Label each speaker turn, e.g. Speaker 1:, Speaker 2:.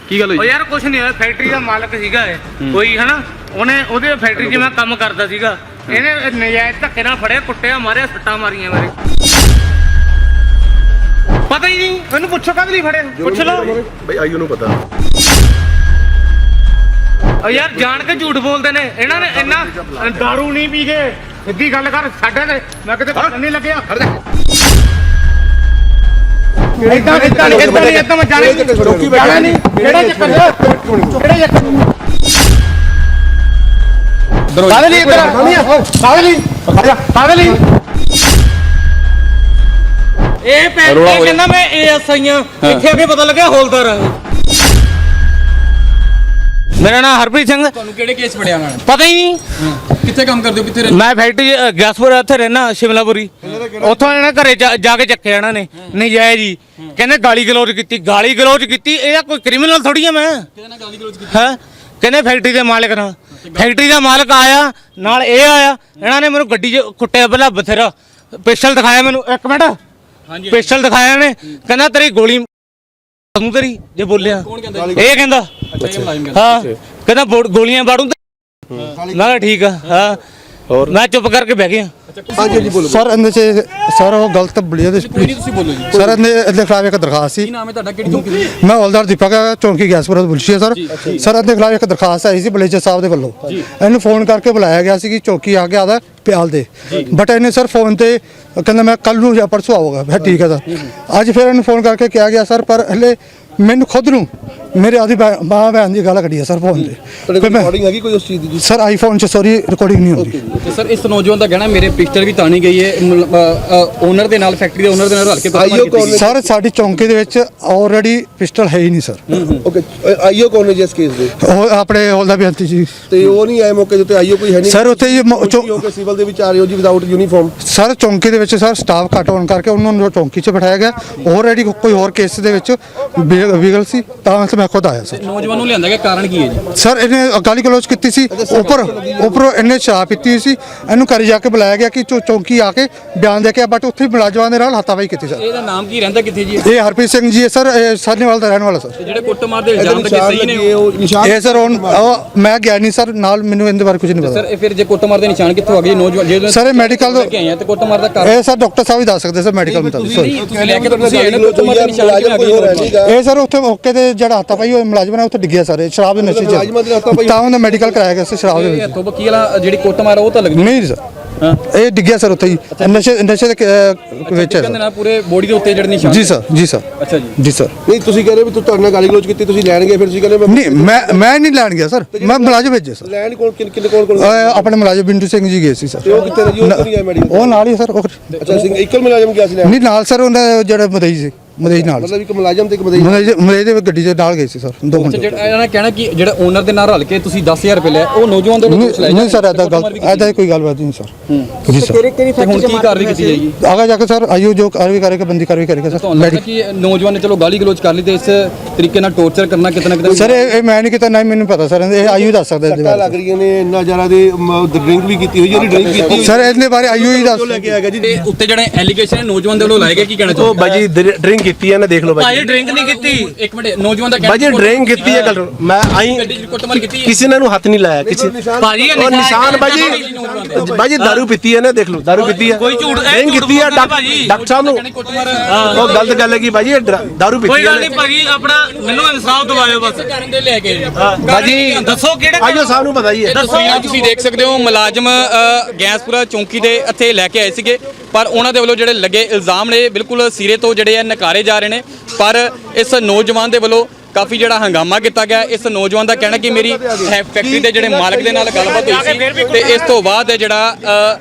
Speaker 1: ਕੀ ਗੱਲ ਹੋਈ?
Speaker 2: ਯਾਰ ਕੁਛ ਨਹੀਂ ਹੋਇਆ, ਫੈਕਟਰੀ ਦਾ ਮਾਲਕ ਸੀਗਾ ਇਹ ਕੋਈ ਹਨਾ, ਉਹਦੇ ਫੈਕਟਰੀ 'ਚ ਮੈਂ ਕੰਮ ਕਰਦਾ ਸੀਗਾ, ਇਹਨੇ ਨਜਾਇਜ਼ ਧੱਕੇ ਨਾਲ ਫੜਿਆ, ਕੁੱਟਿਆ, ਮਾਰਿਆ, ਸੱਟਾਂ ਮਾਰੀਆਂ ਮੇਰੇ। ਪਤਾ ਹੀ ਨਹੀਂ ਮੈਨੂੰ, ਪੁੱਛੋ ਕਦ ਲਈ ਫੜਿਆ, ਪੁੱਛ ਲਓ
Speaker 3: ਬਈ ਆਈਓ ਨੂੰ ਪਤਾ।
Speaker 2: ਯਾਰ ਜਾਣ ਕੇ ਝੂਠ ਬੋਲਦੇ ਨੇ ਇਹਨਾਂ ਨੇ, ਇੰਨਾ ਦਾਰੂ ਨਹੀਂ ਪੀ ਕੇ ਸਿੱਧੀ ਗੱਲ ਕਰ ਸਾਡੇ ਤੇ, ਮੈਂ ਕਿਤੇ ਪਤਾ ਨਹੀਂ ਲੱਗਿਆ। ਇਦਾਂ ਮੈਂ ਜਾਣੇ ਨਹੀਂ, ਕਿਹੜਾ ਚੱਕਰ ਕਾਹਦੇ ਲਈ ਇੱਧਰ ਕਾਹਦੇ ਲਈ ਇਹ ਕਹਿੰਦਾ ਮੈਂ ASI ਆ, ਇੱਥੇ ਆ ਕੇ ਪਤਾ ਲੱਗਿਆ ਹੌਲਦਾਰ ਆ। ਮੇਰਾ ਨਾਮ ਹਰਪ੍ਰੀਤ ਸਿੰਘ।
Speaker 1: ਤੁਹਾਨੂੰ ਕਿਹੜੇ ਕੇਸ ਫੜਿਆ ਉਹਨਾਂ ਨੇ?
Speaker 2: ਪਤਾ ਹੀ ਨਹੀਂ।
Speaker 1: ਕਿੱਥੇ ਕੰਮ ਕਰਦੇ ਹੋ, ਕਿੱਥੇ ਰਹਿੰਦੇ?
Speaker 2: ਮੈਂ ਫੈਕਟਰੀ ਗੈਸਪੁਰ ਇੱਥੇ ਰਹਿਣਾ, ਸ਼ਿਮਲਾਪੁਰੀ। ਉੱਥੋਂ ਇਹਨਾਂ ਘਰੇ ਜਾ ਕੇ ਚੱਕਿਆ ਇਹਨਾਂ ਨੇ ਨਜਾਇਜ਼ ਜੀ, ਕਹਿੰਦੇ ਗਾਲੀ ਗਲੋਚ ਕੀਤੀ। ਇਹ ਕੋਈ ਕ੍ਰਿਮੀਨਲ ਥੋੜੀ ਆ ਮੈਂ।
Speaker 1: ਕਿਹਦੇ ਨਾਲ ਗਾਲੀ ਗਲੋਚ ਕੀਤੀ?
Speaker 2: ਹੈ ਕਹਿੰਦੇ ਫੈਕਟਰੀ ਦੇ ਮਾਲਕ ਨਾਲ। ਫੈਕਟਰੀ ਦਾ ਮਾਲਕ ਆਇਆ ਨਾਲ, ਇਹ ਆਇਆ, ਇਹਨਾਂ ਨੇ ਮੈਨੂੰ ਗੱਡੀ 'ਚ ਕੁੱਟਿਆ ਪਹਿਲਾਂ ਬਥੇਰਾ, ਪਿਸਟਲ ਦਿਖਾਇਆ ਮੈਨੂੰ, ਇੱਕ ਮਿੰਟ
Speaker 1: ਹਾਂਜੀ
Speaker 2: ਪਿਸਟਲ ਦਿਖਾਇਆ ਇਹਨੇ, ਕਹਿੰਦਾ ਤੇਰੀ ਗੋਲੀ ਤੇਰੀ ਜੇ ਬੋਲਿਆ,
Speaker 1: ਕੌਣ ਕਹਿੰਦਾ?
Speaker 2: ਇਹ ਕਹਿੰਦਾ
Speaker 1: ਅੱਛਾ ਇਹ ਮੁਲਾਜ਼ਮ ਕਹਿੰਦਾ।
Speaker 2: ਹਾਂ, ਕਹਿੰਦਾ ਗੋਲੀਆਂ ਬਾੜੂ। ਮੈਂ ਕਿਹਾ ਠੀਕ ਆ। ਹਾਂ ਹੋਰ ਮੈਂ ਚੁੱਪ ਕਰਕੇ ਬਹਿ ਗਿਆ।
Speaker 3: ਹਾਂਜੀ ਬੋਲੋ
Speaker 4: ਸਰ ਇਹਦੇ ਚ ਸਰ ਉਹ ਗਲਤ ਬਲੀਆ ਦੇ
Speaker 1: ਕੋਈ ਨਹੀਂ, ਤੁਸੀਂ ਬੋਲੋ ਜੀ।
Speaker 4: ਸਰ ਇਹਦੇ ਖਿਲਾਫ ਇੱਕ ਦਰਖਾਸਤ ਸੀ।
Speaker 1: ਕੀ ਨਾਮ ਹੈ ਤੁਹਾਡਾ, ਕਿਹੜੀ ਚੌਂਕੀ ਦੇ?
Speaker 4: ਮੈਂ ਹੌਲਦਾਰ ਦੀਪਕ ਚੌਂਕੀ ਗੈਸਪੁਰ ਤੋਂ ਬੁਲਸ਼ੀ ਸਰ ਇਹਦੇ ਖਿਲਾਫ ਇੱਕ ਦਰਖਾਸਤ ਆਈ ਸੀ ਬਲੇਜਰ ਸਾਹਿਬ ਦੇ ਵੱਲੋਂ। ਇਹਨੂੰ ਫੋਨ ਕਰਕੇ ਬੁਲਾਇਆ ਗਿਆ ਸੀ ਕਿ ਚੌਕੀ ਆ ਕੇ ਆਦਾ ਪਿਆਲ ਦੇ, ਬਟ ਇਹਨੇ ਸਰ ਫੋਨ ਤੇ ਕਹਿੰਦਾ ਮੈਂ ਕੱਲ ਨੂੰ ਜਾਂ ਪਰਸੋਂ ਆਊਗਾ। ਫਿਰ ਠੀਕ ਹੈ ਸਰ। ਅੱਜ ਫਿਰ ਇਹਨੂੰ ਫੋਨ ਕਰਕੇ ਕਿਹਾ ਗਿਆ ਸਰ, ਪਰ ਹਲੇ ਮੈਨੂੰ ਖੁਦ ਨੂੰ ਮੇਰੇ ਆਦੀ ਮਾਂ ਭੈਣ ਦੀ ਗੱਲ ਕੱਢੀ ਹੈ ਸਰ ਫੋਨ ਤੇ।
Speaker 3: ਰਿਕਾਰਡਿੰਗ ਹੈਗੀ ਕੋਈ ਉਸ ਚੀਜ਼ ਦੀ?
Speaker 4: ਸਰ ਆਈਫੋਨ 'ਚ ਸੌਰੀ ਰਿਕਾਰਡਿੰਗ ਨਹੀਂ ਹੁੰਦੀ।
Speaker 1: ਤੇ ਸਰ ਇਸ ਨੌਜਵਾਨ ਦਾ ਕਹਿਣਾ ਮੇਰੇ ਪਿਸਟਲ ਵੀ ਤਾਣੀ ਗਈ ਹੈ, ਓਨਰ ਦੇ ਨਾਲ, ਫੈਕਟਰੀ ਦੇ ਓਨਰ ਦੇ ਨਾਲ ਰਲ ਕੇ
Speaker 3: ਆਈਓ ਕੌਣ ਨੇ?
Speaker 4: ਸਰ ਸਾਡੀ ਚੌਂਕੀ ਦੇ ਵਿੱਚ ਆਲਰੇਡੀ ਪਿਸਟਲ ਹੈ ਹੀ ਨਹੀਂ ਸਰ।
Speaker 3: ਓਕੇ ਆਈਓ ਕੌਣ ਨੇ ਜੀ ਇਸ ਕੇਸ ਦੇ?
Speaker 4: ਉਹ ਆਪਣੇ ਹੌਲਦਾਰ ਬੇਨਤੀ ਜੀ
Speaker 3: ਤੇ ਉਹ ਨਹੀਂ ਆਏ ਮੌਕੇ ਤੇ ਆਈਓ ਕੋਈ ਹੈ ਨਹੀਂ
Speaker 4: ਸਰ। ਉੱਥੇ
Speaker 3: ਓਕੇ ਸਿਵਲ ਦੇ ਵਿੱਚ ਆ ਰਹੇ ਹੋ ਜੀ ਵਿਦਆਊਟ ਯੂਨੀਫਾਰਮ?
Speaker 4: ਸਰ ਚੌਂਕੀ ਦੇ ਵਿੱਚ ਸਰ ਸਟਾਫ ਘੱਟ ਹੋਣ ਕਰਕੇ ਉਹਨਾਂ ਨੂੰ ਚੌਂਕੀ 'ਚ ਬਿਠਾਇਆ ਗਿਆ। ਆਲਰੇਡੀ ਕੋਈ ਹੋਰ ਕੇਸ ਦੇ ਵਿੱਚ ਵਿਗਲ ਸੀ, ਤਾਂ ਮੈਂ ਖੁਦ ਆਇਆ ਸਰ।
Speaker 1: ਨੌਜਵਾਨ ਨੂੰ ਲਿਆਂਦਾ ਗਿਆ, ਕਾਰਨ ਕੀ ਹੈ ਜੀ?
Speaker 4: ਸਰ ਇਹਨੇ ਗਾਲੀ ਗਲੋਚ ਕੀਤੀ ਸੀ, ਉੱਪਰੋਂ ਇਹਨੇ ਸ਼ਰਾਬ ਪੀਤੀ ਸੀ। ਇਹਨੂੰ ਘਰ ਜਾ ਕੇ ਬੁਲਾਇਆ ਗਿਆ ਕਿ ਚੌਂਕੀ ਆ ਕੇ ਬਿਆਨ ਦੇ ਕੇ, ਬਟ ਉੱਥੇ ਮੁਲਾਜ਼ਮਾਂ ਦੇ ਨਾਲ ਹੱਥਾਪਾਈ ਕੀਤੀ ਸਰ।
Speaker 1: ਇਹਦਾ ਨਾਮ ਕੀ, ਰਹਿੰਦਾ ਕਿੱਥੇ ਜੀ?
Speaker 4: ਇਹ ਹਰਪ੍ਰੀਤ ਸਿੰਘ ਜੀ ਹੈ ਸਰ, ਇਹ ਸਾਹਨੇਵਾਲ ਦਾ ਰਹਿਣ ਵਾਲਾ ਸਰ।
Speaker 1: ਤੇ ਜਿਹੜੇ ਕੁੱਟਮਾਰ ਦੇ ਇਲਜ਼ਾਮ ਲੱਗੇ ਸਹੀ ਨੇ?
Speaker 4: ਇਹ ਸਰ ਉਹ ਮੈਂ ਗਿਆ ਨਹੀਂ ਸਰ ਨਾਲ, ਮੈਨੂੰ ਇਹਦੇ ਬਾਰੇ ਕੁਝ ਨਹੀਂ ਪਤਾ
Speaker 1: ਸਰ ਇਹ ਫਿਰ ਜੇ ਕੁੱਟਮਾਰ ਦੇ ਨਿਸ਼ਾਨ ਕਿੱਥੋਂ ਆ ਗਏ ਨੌਜਵਾਨ? ਜੇ
Speaker 4: ਸਰ ਇਹ ਮੈਡੀਕਲ
Speaker 1: ਲੈ ਕੇ ਆਏ ਆ ਤੇ ਕੁੱਟਮਾਰ ਦਾ ਕਾਰਨ
Speaker 4: ਇਹ ਸਰ ਡਾਕਟਰ ਸਾਹਿਬ ਹੀ ਦੱਸ ਸਕਦੇ ਸਰ ਮੈਡੀਕਲ ਮੁਤਾਬਿਕ।
Speaker 1: ਤੁਸੀਂ ਲੈ ਕੇ ਤੁਸੀਂ ਆਏ ਨਾ, ਕੁੱਟਮਾਰ ਦੇ ਨਿਸ਼ਾਨ ਕਿਉਂ ਲੱਗੇ?
Speaker 4: ਇਹ ਸਰ ਉੱਥੇ ਮੌਕੇ ਤੇ ਜਿਹੜਾ ਹੱਥਾਪਾਈ ਹੋਇਆ ਮੁਲਾਜ਼ਮ ਨੇ ਉੱਥੇ ਡਿੱਗਿਆ ਸਰ, ਸ਼ਰਾਬ ਦੇ ਨਸ਼ੇ 'ਚ, ਤਾਂ ਉਹਨੇ ਮੈਡੀਕਲ ਕਰਾਇਆ ਗਿਆ ਸੀ ਸ਼ਰਾਬ ਦੇ ਵਿੱਚ।
Speaker 1: ਹੱਥੋਂ ਵਕੀਲ ਜਿਹੜੀ ਕੁੱਟਮਾਰ ਉਹ ਤਾਂ ਲੱਗਦੀ
Speaker 4: ਨਹੀਂ ਸਰ, ਇਹ ਡਿੱਗਿਆ ਸਰ ਉੱਥੇ ਹੀ ਨਸ਼ੇ ਦੇ ਵਿੱਚ।
Speaker 1: ਕਹਿੰਦੇ ਨਾਲ ਪੂਰੇ ਬੋਡੀ ਦੇ ਉੱਤੇ ਜਿਹੜੇ ਨਿਸ਼ਾਨ?
Speaker 4: ਜੀ ਸਰ, ਜੀ ਸਰ,
Speaker 1: ਅੱਛਾ ਜੀ,
Speaker 4: ਜੀ ਸਰ।
Speaker 3: ਨਹੀਂ ਤੁਸੀਂ ਕਹਿ ਰਹੇ ਵੀ ਤੁਹਾਡੇ ਨਾਲ ਗਾਲੀ ਗਲੋਚ ਕੀਤੀ, ਤੁਸੀਂ ਲੈਣ ਗਏ, ਫਿਰ ਤੁਸੀਂ ਕਹਿੰਦੇ
Speaker 4: ਨਹੀਂ ਮੈਂ ਨਹੀਂ ਲੈਣ ਗਿਆ ਸਰ, ਮੈਂ ਮੁਲਾਜ਼ਮ ਭੇਜੇ ਸਰ।
Speaker 3: ਲੈਣ ਕਿੰਨੇ ਕੋਲ
Speaker 4: ਆਪਣੇ ਮੁਲਾਜ਼ਮ ਬਿੰਦੂ ਸਿੰਘ ਜੀ ਗਏ ਸੀ ਸਰ।
Speaker 3: ਉਹ ਕਿੱਥੇ ਜੀ? ਉਹ ਨਹੀਂ ਆਏ ਮੈਡੀਕਲ?
Speaker 4: ਉਹ ਨਾਲ ਹੀ ਸਰ।
Speaker 3: ਅੱਛਾ ਸਿੰਘ ਇੱਕਲ ਮੁਲਾਜ਼ਮ ਗਿਆ ਸੀ ਲੈਣ?
Speaker 4: ਨਹੀਂ ਨਾਲ ਸਰ, ਉਹਨਾਂ ਜਿਹੜਾ ਮਦਈ ਸੀ, ਮਦਈ ਨਾਲ
Speaker 3: ਮਤਲਬ ਇੱਕ ਮੁਲਾਜ਼ਮ ਤੇ ਇੱਕ ਮਦਈ
Speaker 4: ਮਦਈ ਦੇ ਗੱਡੀ 'ਚ ਨਾਲ ਗਏ ਸੀ ਸਰ 2 ਘੰਟੇ।
Speaker 1: ਜਿਹੜਾ ਇਹਨਾਂ ਨੇ ਕਹਿਣਾ ਕਿ ਜਿਹੜਾ ਓਨਰ ਦੇ ਨਾਲ ਰਲ ਕੇ ਤੁਸੀਂ 10000 ਰੁਪਏ ਲਿਆ, ਉਹ ਨੌਜਵਾਨ ਦੇ
Speaker 4: ਨਹੀਂ ਸਰ, ਐਦਾ ਕੋਈ ਗੱਲਬਾਤ ਨਹੀਂ ਸਰ। ਜੀ ਸਰ।
Speaker 1: ਤੇ ਹੁਣ ਕੀ ਕਾਰਵਾਈ ਕੀਤੀ ਜਾਏਗੀ?
Speaker 4: ਆਗਾ ਜਾ ਕੇ ਸਰ ਆਈਓ ਜੋ ਕਾਰਵਾਈ ਕਰੇਗਾ, ਬੰਦੀ ਕਾਰਵਾਈ ਕਰੇਗਾ ਸਰ।
Speaker 1: ਤੁਹਾਨੂੰ ਲੱਗਦਾ ਕਿ ਨੌਜਵਾਨ ਨੇ ਚਲੋ ਗਾਲੀ ਗਲੋਚ ਕਰ ਲਈ ਤੇ ਇਸ ਤਰੀਕੇ ਨਾਲ ਟੌਰਚਰ ਕਰਨਾ ਕਿਤੇ ਨਾ ਕਿਤੇ?
Speaker 4: ਸਰ ਇਹ ਮੈਂ ਨਹੀਂ ਕੀਤਾ, ਨਾ ਮੈਨੂੰ ਪਤਾ ਸਰ, ਇਹ ਆਈਓ ਦੱਸ ਸਕਦਾ ਇਹਦੇ
Speaker 3: ਲੱਗ
Speaker 4: ਬਾਰੇ।
Speaker 3: ਰਹੀਆਂ ਨੇ ਇੰਨਾ ਜ਼ਿਆਦਾ ਦੇ ਡਰਿੰਕ ਵੀ ਕੀਤੀ ਹੋਈ, ਜਿਹੜੀ ਡਰਿੰਕ ਕੀਤੀ
Speaker 4: ਸਰ ਇਹਦੇ ਬਾਰੇ ਆਈਓ ਹੀ ਦੱਸ।
Speaker 3: ਲੈ ਕੇ ਆ ਗਿਆ ਜੀ।
Speaker 1: ਤੇ ਉੱਤੇ ਜਿਹੜੇ ਐਲੀਗੇਸ਼ਨ ਨੌਜਵਾਨ ਦੇ ਵੱਲੋਂ ਲਾਏ ਗਏ, ਕੀ ਕਹਿਣਾ
Speaker 5: ਉਹ
Speaker 1: ਚਾਹੁੰਦੇ?
Speaker 5: ਬਾਜੀ ਡਰਿੰਕ ਕੀਤੀ ਹੈ ਨਾ, ਦੇਖ ਲਓ
Speaker 2: ਭਾਜੀ ਡਰਿੰਕ ਨਹੀਂ ਕੀਤੀ।
Speaker 1: ਇੱਕ ਮਿੰਟ, ਨੌਜਵਾਨ ਦਾ
Speaker 5: ਬਾਜੀ ਡਰਿੰਕ ਕੀਤੀ ਹੈ ਗੱਲ। ਮੈਂ ਆਈ
Speaker 1: ਗੱਡੀ 'ਚ ਕੁੱਟਮਾਰ ਕੀਤੀ ਹੈ?
Speaker 5: ਕਿਸੇ ਨੇ ਨੂੰ ਹੱਥ ਨਹੀਂ ਲਾਇਆ ਕਿਸੇ।
Speaker 2: ਭਾਜੀ
Speaker 5: ਉਹ ਨਿਸ਼ਾਨ ਬਾਜੀ ਦਾਰੂ ਪੀਤੀ ਹੈ ਨਾ, ਦੇਖ ਲਓ ਦਾਰੂ ਪੀਤੀ ਹੈ,
Speaker 2: ਕੋਈ ਝੂਠ
Speaker 5: ਡਰਿੰਕ ਕੀਤੀ ਹੈ। ਡਾਕਟਰ ਸਾਹਿਬ ਨੂੰ ਉਹ ਗਲਤ ਗੱਲ ਹੈ ਕਿ ਬਾਜੀ ਇਹ ਦਾਰੂ ਪੀਤੀ
Speaker 2: ਕੋਈ ਗੱਲ
Speaker 5: ਹੈ।
Speaker 2: ਨਹੀਂ ਭਾਜੀ, ਆਪਣਾ ਮੈਨੂੰ ਇਨਸਾਫ ਦਿਵਾਇਓ ਬਸ।
Speaker 1: ਕਰਨ ਦੇ ਲੈ ਕੇ
Speaker 5: ਬਾਜੀ
Speaker 2: ਦੱਸੋ ਕਿਹੜੇ
Speaker 5: ਆਈਓ ਸਾਹਿਬ ਨੂੰ ਪਤਾ ਹੀ ਹੈ।
Speaker 1: ਤਸਵੀਰਾਂ ਤੁਸੀਂ ਦੇਖ ਸਕਦੇ ਹੋ, ਮੁਲਾਜ਼ਮ ਗੈਸਪੁਰਾ ਚੌਂਕੀ ਦੇ ਇੱਥੇ ਲੈ ਕੇ ਆਏ ਸੀਗੇ, ਪਰ ਉਹਨਾਂ ਦੇ ਵੱਲੋਂ ਜਿਹੜੇ ਲੱਗੇ ਇਲਜ਼ਾਮ ਨੇ ਬਿਲਕੁਲ ਸਿਰੇ ਤੋਂ ਜਿਹੜੇ ਆ ਨਕਾਰੇ ਜਾ ਰਹੇ ਨੇ। ਪਰ ਇਸ ਨੌਜਵਾਨ ਦੇ ਵੱਲੋਂ ਕਾਫੀ ਜਿਹੜਾ ਹੰਗਾਮਾ ਕੀਤਾ ਗਿਆ। ਇਸ ਨੌਜਵਾਨ ਦਾ ਕਹਿਣਾ ਕਿ ਮੇਰੀ ਫੈਕਟਰੀ ਦੇ ਜਿਹੜੇ ਮਾਲਕ ਦੇ ਨਾਲ ਗੱਲਬਾਤ ਹੋਈ ਸੀ ਤੇ ਇਸ ਤੋਂ ਬਾਅਦ ਜਿਹੜਾ